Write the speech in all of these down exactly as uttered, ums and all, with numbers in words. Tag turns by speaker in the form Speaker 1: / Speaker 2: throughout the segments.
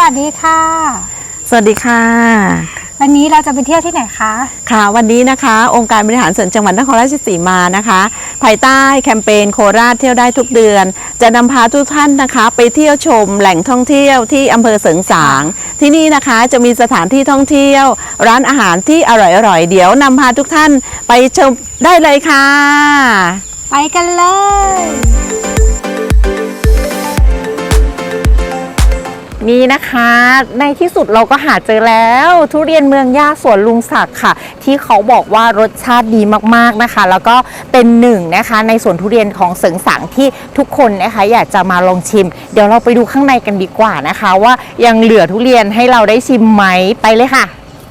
Speaker 1: วัสดีค่ะ
Speaker 2: สวัสดีค่ะ
Speaker 1: วันนี้เราจะไปเที่ยวที่ไหนคะ
Speaker 2: ค่ะวันนี้นะคะองค์การบริหารส่วนจังหวัดนครราชสีมานะคะภายใต้แคมเปญโคราชเที่ยวได้ทุกเดือนจะนำพาทุกท่านนะคะไปเที่ยวชมแหล่งท่องเที่ยวที่อำเภอเสริงสางที่นี่นะคะจะมีสถานที่ท่องเที่ยวร้านอาหารที่อร่อยๆเดี๋ยวนำพาทุกท่านไปชมได้เลยค่ะ
Speaker 1: ไปกันเลย
Speaker 3: นี่นะคะในที่สุดเราก็หาเจอแล้วทุเรียนเมืองย่าสวนลุงศักดิ์ค่ะที่เขาบอกว่ารสชาติดีมากๆนะคะแล้วก็เป็นหนึ่งนะคะในสวนทุเรียนของเสริงสางที่ทุกคนนะคะอยากจะมาลองชิมเดี๋ยวเราไปดูข้างในกันดีกว่านะคะว่ายังเหลือทุเรียนให้เราได้ชิมไหมไปเลยค่ะ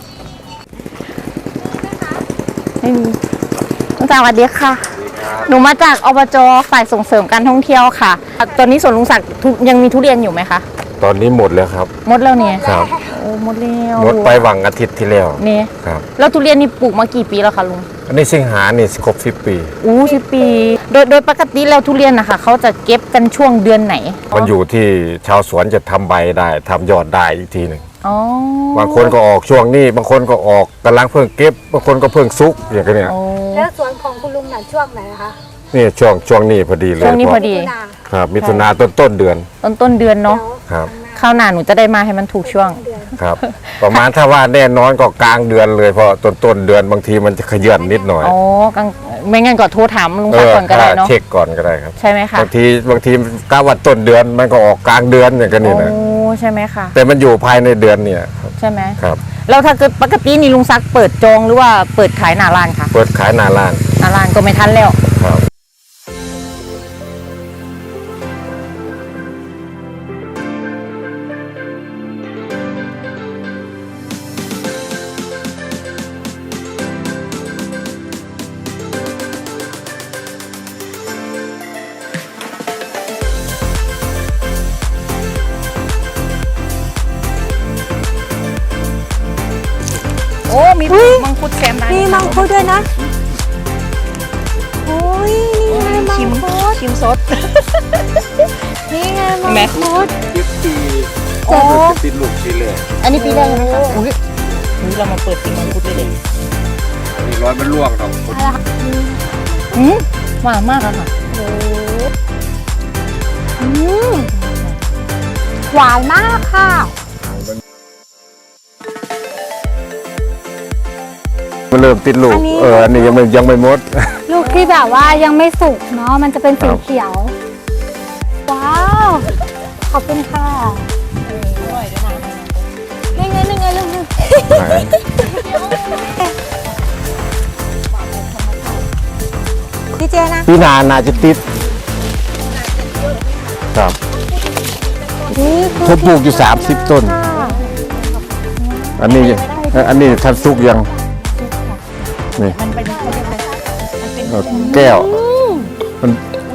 Speaker 3: ไม่มีลุงศักดิ์สวัสดีค่ะหนูมาจากอบจ.ฝ่ายส่งเสริมการท่องเที่ยวค่ะตอนนี้สวนลุงศักดิ์ยังมีทุเรียนอยู่ไหมคะ
Speaker 4: ตอนนี้หมดแล้วครับ
Speaker 3: หมดแล้วเนี่ย
Speaker 4: ครับ
Speaker 3: โอ้หมดแล้ว
Speaker 4: หมดไปหวังอาทิตย์ที่แล้ว
Speaker 3: เนี่ย
Speaker 4: ครับ
Speaker 3: แล้วทุเรียนนี่ปลูกมากี่ปีแล้วคะลุง
Speaker 4: อันนี้สิงหาเนี่ยครบสิบปี
Speaker 3: อู้สิบปีโดยโดยปกติแล้วทุเรียนนะคะเขาจะเก็บกันช่วงเดือนไหน
Speaker 4: มันอยู่ที่ชาวสวนจะทำใบได้ทำยอดได้อีกทีหนึ่ง
Speaker 3: อ๋อบ
Speaker 4: างคนก็ออกช่วงนี้บางคนก็ออกกำลังเพิ่งเก็บบางคนก็เพิ่งซุกอย่างเงี้ย
Speaker 1: แล้วสวนของคุณลุงน่ะช่วงไหนคะ
Speaker 4: นี่ช่วงช่วงนี้พอดีเลย
Speaker 3: ช่วงนี้พอดี
Speaker 4: ครับมิถุนาต้นต้นเดือน
Speaker 3: ต้นต้นเดือนเนาะ
Speaker 4: ครับ
Speaker 3: ข้าวหน้าหนูจะได้มาให้มันถูกช่วง
Speaker 4: ครับประมาณถ้าว่าแน่นอนก็กลางเดือนเลยเพราะต้นต้นเดือนบางทีมันจะขยื่นนิดหน่อย
Speaker 3: อ๋อกลางไม่งั้นก็โทรถามลุงศักดิ์ก่อนก็ได้เนาะ
Speaker 4: เช็คก่อนก็ได้ครับ
Speaker 3: ใช่ไหมคะ
Speaker 4: บางทีบางทีกะว่าต้นเดือนมันก็ออกกลางเดือนอย่างกันนี่นะ
Speaker 3: โอ้ใช่ไหมคะ
Speaker 4: แต่มันอยู่ภายในเดือนเนี่ย
Speaker 3: ใช่ไหม
Speaker 4: ครับ
Speaker 3: แล้วถ้าเกิดปกตินี่ลุงศักดิ์เปิดจองหรือว่าเปิดขายหน้าร้านคะ
Speaker 4: เปิดขายหน้าร้าน
Speaker 3: หน้าร้านก็ไม่ทันแล้ว
Speaker 4: ครับ
Speaker 3: โอ้มีมังคุดแซมได้
Speaker 1: มีมังคุดด้วยนะโอ้ยนี่ไงมังคุด
Speaker 3: ชิมสด
Speaker 1: นี่ไงมังคุด
Speaker 4: สิบปี
Speaker 1: โอ้
Speaker 4: ติดลูกทีเลย
Speaker 3: อันนี้ปีแรกไหมคะอุ้ยนี่เรามาเปิดปีมังคุดเลยเลย
Speaker 4: นี่ร้อนมันร่วงครับ
Speaker 3: อืมหวานมากอะค่ะ
Speaker 1: โอ้อืมหวานมากค่ะ
Speaker 4: มันเริ่มติดลูกเอออันนี้ยังไม่ยังไม่หมด
Speaker 1: ลูกที่แบบว่ายังไม่สุกเนาะมันจะเป็นสีเขียวว้าวขอบคุณค่ะนี่ไงนี่ไงลูกนึงพี่เจนะ
Speaker 4: พี่นานาจะติดครับผมปลูกอยู่สามสิบต้นอันนี้อันนี้ทันสุกยังนี่แก้วมัน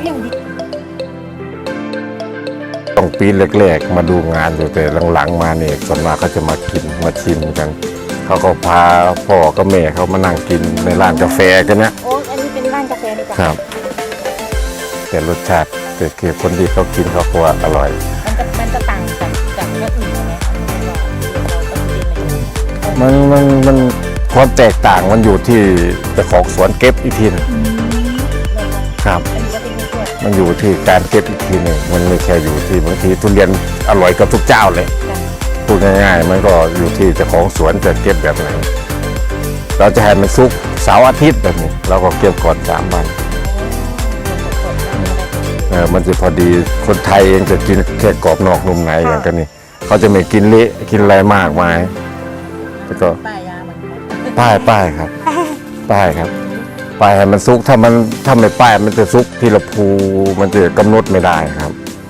Speaker 4: ต้องปีแรกๆมาดูงานอยู่แต่หลังๆมาเนี่ยส่วนมากเขาจะมากินมาชิมกันเขาก็พาพ่อกับแม่เขามานั่งกินในร้านกาแฟกันนะ
Speaker 3: โอ้อันนี้เป็นร้านกาแฟดีกว่า
Speaker 4: ครับแต่รสชาติแต่คือคนที่เขากินเขาบอกว่าอร่อย
Speaker 3: มันจะมันจะต่างจากจากเรื่องอื่นไหมคะ
Speaker 4: มันมันมันความแตกต่างมันอยู่ที่เจ้าของสวนเก็บอีกทีนึงครับมันอยู่ที่การเก็บอีกทีหนึ่งมันไม่ใช่อยู่ที่บางทีทุเรียนอร่อยกับทุกเจ้าเลยพูดง่ายๆมันก็อยู่ที่เจ้าของสวนจะเก็บแบบไหนเราจะให้มันซุกเสาร์อาทิตย์แบบนี้เราก็เก็บก่อนสามวันเออมันจะพอดีคนไทยเองจะกินแค่กรอบนอกนุ่มในอย่างกันนี่เขาจะไม่กินเละกินอะไรมากมายแล้วก็ป้ายป้ายครับป้ายครับป้ายให้มันซุกถ้ามันถ้าไม่ป้ายมันจะซุกที่ละภูมันจะกำหนดไม่ได้ครับ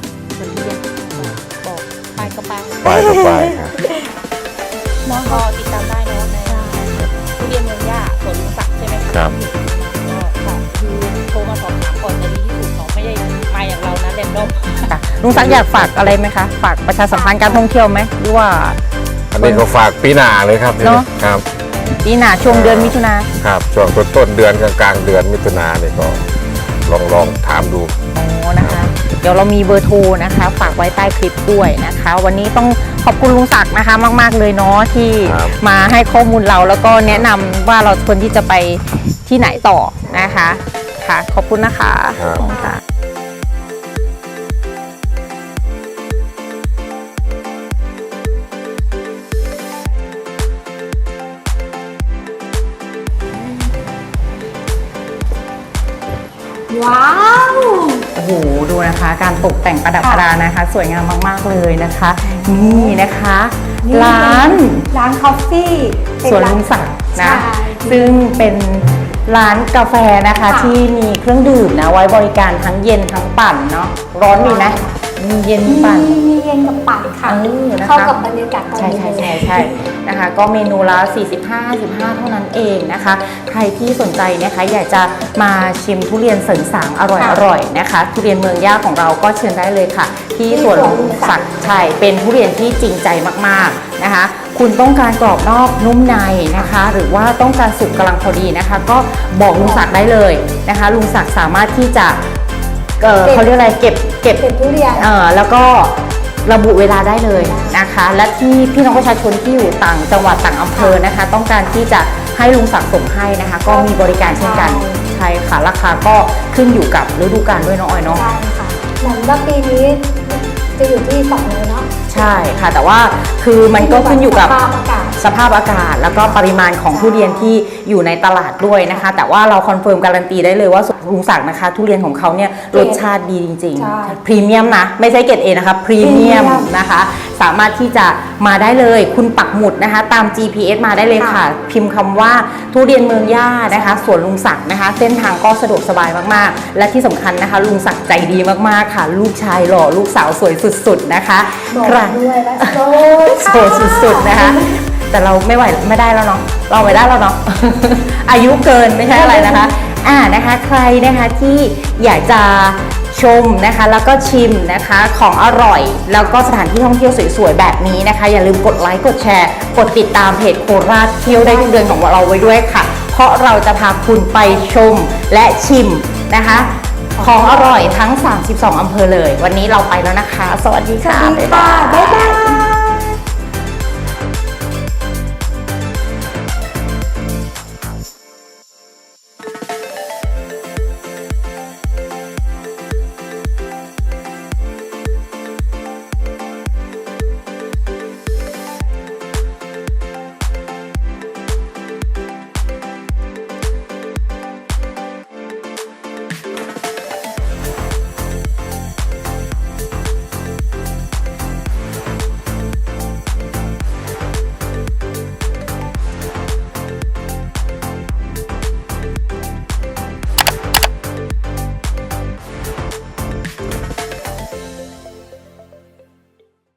Speaker 3: ป้ายก็ป้าย
Speaker 4: ป้ายก็ป้ายครับ
Speaker 3: น้องก็ติดตามได้เนาะในทุเรียนเมืองย่าสวนลุงศักดิ์ใช่ไหม
Speaker 4: ครับ
Speaker 3: ค่ะคือโทรมาสอบถามก่อนจะดีที่สุดเขาไม่ได้มาอย่างเรานะเรนดอมลุงศักดิ์อยากฝากอะไรไหมคะฝากประชาสัมพันธ์การท่องเที่ยวไหมหรือว่า
Speaker 4: อันนี้ก็ฝากปีหน้าเลยครับเนาะครับ
Speaker 3: ปีหน้าช่วงเดือนมิถุนา
Speaker 4: ครับช่วงต้นต้นเดือนกลางกลางเดือนมิถุนาเนี่ยก็ลองลองถามดู
Speaker 3: โอ้นะคะดี๋ยวเรามีเบอร์โทรนะคะฝากไว้ใต้คลิปด้วยนะคะ วันนี้ต้องขอบคุณลุงศักดิ์นะคะมากๆเลยเนาะที่
Speaker 4: ครับ
Speaker 3: มาให้ข้อมูลเราแล้วก็แนะนำว่าเราควรที่จะไปที่ไหนต่อนะคะค่ะขอบคุณนะคะ
Speaker 4: ครับ
Speaker 3: ขอบคุณค่ะ
Speaker 1: ว้าว
Speaker 3: โอ้โหดูนะคะการตกแต่งประดับประดานะคะ สวยงามมากๆเลยนะคะ นี่นะคะ
Speaker 1: นี่
Speaker 3: ร้าน
Speaker 1: ร้านคอฟฟี่
Speaker 3: สวนลุงศักดิ์นะ
Speaker 1: ใช่
Speaker 3: ซึ่งเป็นร้านกาแฟนะคะ
Speaker 1: ค่ะ
Speaker 3: ที่มีเครื่องดื่มนะไว้บริการทั้งเย็นทั้งปั่นเนาะร้อนมีไหมมีเย็นมีปั่น
Speaker 1: มีมีเย็นกับปั่นค่ะ
Speaker 3: เออนะคะ
Speaker 1: เข้ากับบรรยากาศตอน
Speaker 3: ใช่
Speaker 1: นี้
Speaker 3: ใช่ใช่ใช่นะคะ ก็เมนูละสี่สิบห้า สิบห้าเท่านั้นเองนะคะ ใครที่สนใจนะคะอยากจะมาชิมทุเรียนเสริงสางอร่อยอร่อยนะคะ ทุเรียนเมืองย่าของเราก็เชิญได้เลยค่ะ ที่สวนลุงศักดิ์ชัยเป็นทุเรียนที่จริงใจมากๆนะคะ คุณต้องการกรอบนอกนุ่มในนะคะ หรือว่าต้องการสุกกำลังพอดีนะคะ ก็บอกลุงศักดิ์ได้เลยนะคะ ลุงศักดิ์สามารถที่จะเอ่อเขาเรียกอะไรเก็บเก็บ
Speaker 1: เป็นทุเรียน
Speaker 3: เอ่อแล้วก็ระบุเวลาได้เลยนะคะ และที่พี่น้องประชาชนที่อยู่ต่างจังหวัดต่างอำเภอนะคะ ต้องการที่จะให้ลุงศักดิ์ส่งให้นะคะ ก็มีบริการเช่นกันใช่ค่ะราคาก็ขึ้นอยู่กับฤดูกาลด้วยเนาะออยเนาะ
Speaker 1: ใช่ค่ะเหมือนว่าปีนี้จะอยู่ที่สองเลยเนาะ
Speaker 3: ใช่ค่ะแต่ว่าคือมันก็ขึ้นอยู่กับ
Speaker 1: สภาพอากาศ
Speaker 3: สภาพอากาศแล้วก็ปริมาณของทุเรียนที่อยู่ในตลาดด้วยนะคะ แต่ว่าเราคอนเฟิร์มการันตีได้เลยว่าลุงศักดิ์นะคะ ทุเรียนของเขาเนี่ยรสชาติดีจริง
Speaker 1: ใช่
Speaker 3: ๆพรีเมียมนะไม่ใช่เกรดเอนะคะพรีเมียมนะคะ สามารถที่จะมาได้เลยคุณปักหมุดนะคะ ตาม จี พี เอส มาได้เลยค่ะ พิมพ์คำว่าทุเรียนเมืองย่านะคะสวนลุงศักดิ์นะคะ เส้นทางก็สะดวกสบายมากๆ และที่สำคัญนะคะ ลุงศักดิ์ใจดีมากๆค่ะ ลูกชายหล่อลูกสาวสวยสุดๆนะคะ
Speaker 1: บอก
Speaker 3: ใคร
Speaker 1: ด้วยว่าโซ
Speaker 3: โสดสุดๆนะคะ แต่เราไม่ไหวไม่ได้แล้วเนาะเราไม่ได้แล้วเนาะ อายุเกินไม่ใช่อะไรนะคะ อ่านะคะใครนะคะที่อยากจะชมนะคะแล้วก็ชิมนะคะของอร่อย แล้วก็สถานที่ท่องเที่ยวสวยๆแบบนี้นะคะ อย่าลืมกดไลค์กดแชร์ กดติดตามเพจโคราชเที่ยวได้ทุกเดือนของเราไว้ด้วยค่ะ เพราะเราจะพาคุณไปชมและชิมนะคะ ของอร่อยทั้ง สามสิบสอง อำเภอเลย วันนี้เราไปแล้วนะคะ สวัสดี
Speaker 1: สวั
Speaker 3: ค่ะ
Speaker 1: สดีค่ะ บ๊ายบาย